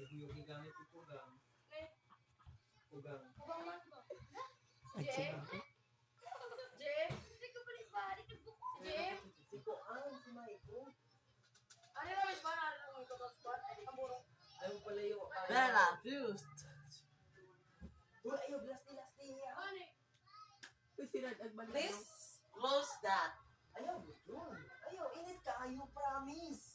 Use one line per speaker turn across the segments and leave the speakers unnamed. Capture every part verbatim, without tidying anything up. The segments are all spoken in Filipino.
Yung gigamit ito gang. Ugang.
Ugang man ko.
Ay,
Jem? Jem? Jem?
Si Kuan, si Maiko.
Ano yung mas ba na rin mo ito ba? Ang burong.
Ayaw pala yung...
Bella, fused.
Uy, ayaw, blasti, blasti.
Ano eh?
Please close that.
Ayaw, yun. Ayaw, init ka. Ayaw, promise.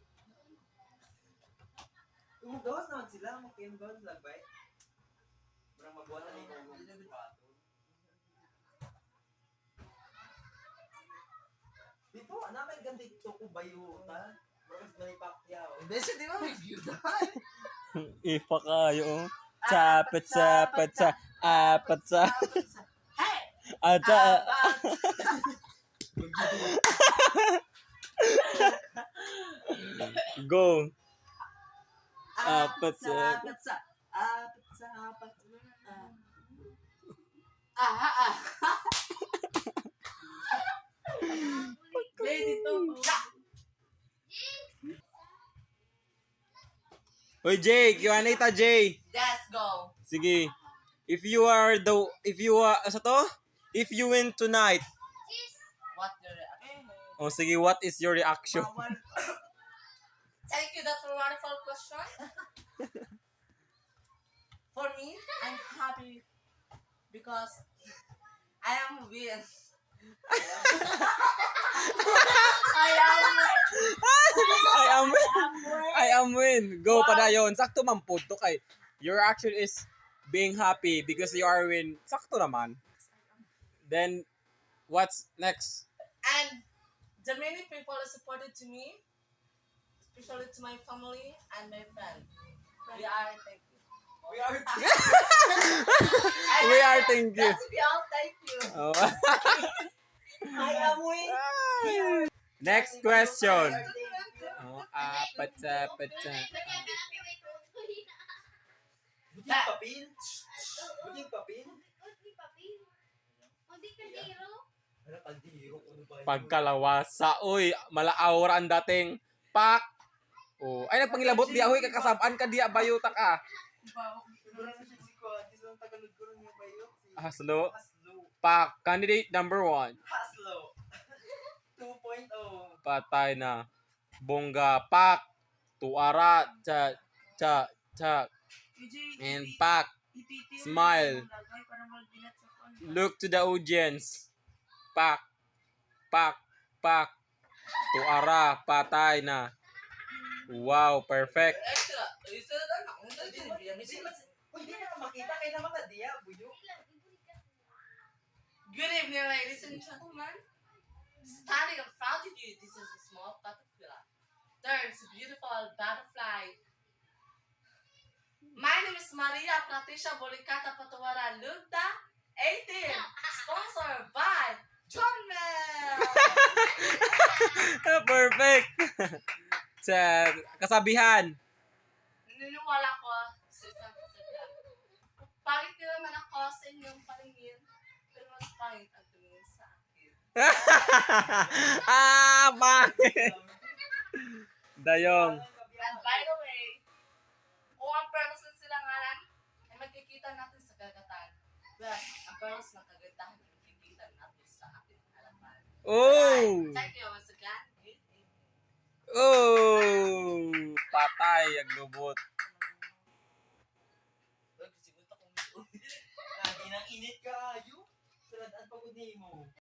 Umugawas naman sila. Makiamgawas lang ba eh? Parang magawa na rin ng pato. Dito, namin ganda ito ko bayo ta. Mas na ipakyaw.
Hindi siya, di ba may view na?
Ipa kayo. Sapet, sapet, sa, apat sa,
Hey!
ata, go. Apat sa,
Apat sa, apat sa, apat sa, ah, ah, ah. Lady to.
Hoy Jay, Q and A ta Jay.
Let's go.
Sige. If you are the, if you are, sa to? If you win tonight.
What your reaction?
Oh, sige, what is your reaction?
Thank you, that's a wonderful question. For me, I'm happy because I am win. I am
I am win.
win.
I am win. Go padayon. Sakto man po to kay. Your action is being happy because you are win. Sakto naman. Then, what's next?
And the many people are supported to me, especially to my family and my friends. We are thank you.
We are...
We are thank you.
That's be all thank you.
Oh.
I am win.
Next question. Oh, apat sa, apat sa.
Buting papil? Buting papil? Ano kaldiro? Ano ba yun?
Pagkalawasa. Uy, malaawra ang dating. Pak! Oh, ay nagpangilabot di ahoy kakasabaan ka diya bayuta ka.
Siguro na siya si Kuan. Kasi ang tagalog ko rin yung bayo. Si
Haslo.
Haslo.
Pak, candidate number one.
Haslo. two point oh.
Patay na. Bongga, pak. Tuara, cha, cha, cha. And pak. Smile. Look to the audience. Pak. Pak. Pak. Tuara, patay na. Wow, perfect.
Extra. Isa na ako.
Uy, di na makita. Kaya naman ka diya, buyo.
Good evening, ladies and gentlemen. Standing in front of you, this is a small caterpillar. There is a beautiful butterfly. My name is Maria Pratisha Bolicata Patawara Lugda, eighteen, sponsored by John Mel.
Perfect. Sa kasabihan.
Naniniwala ko sa isang kasabihan. Pangit nila naman ako sa inyong paningin, pero mas pangit ang tumingin sa akin.
ah, bakit? Dayong.
And by the way, kung ang pearls ng silanganan ay magkikita natin sa kagatan, plus ang pearls ng kagatan ay magkikita natin sa ating harapan.
Oh!
Thank you once again. Good evening.
Oh! Patay ang lubot.
Lagi nang init ka, ayo. Saladaan pagod mo.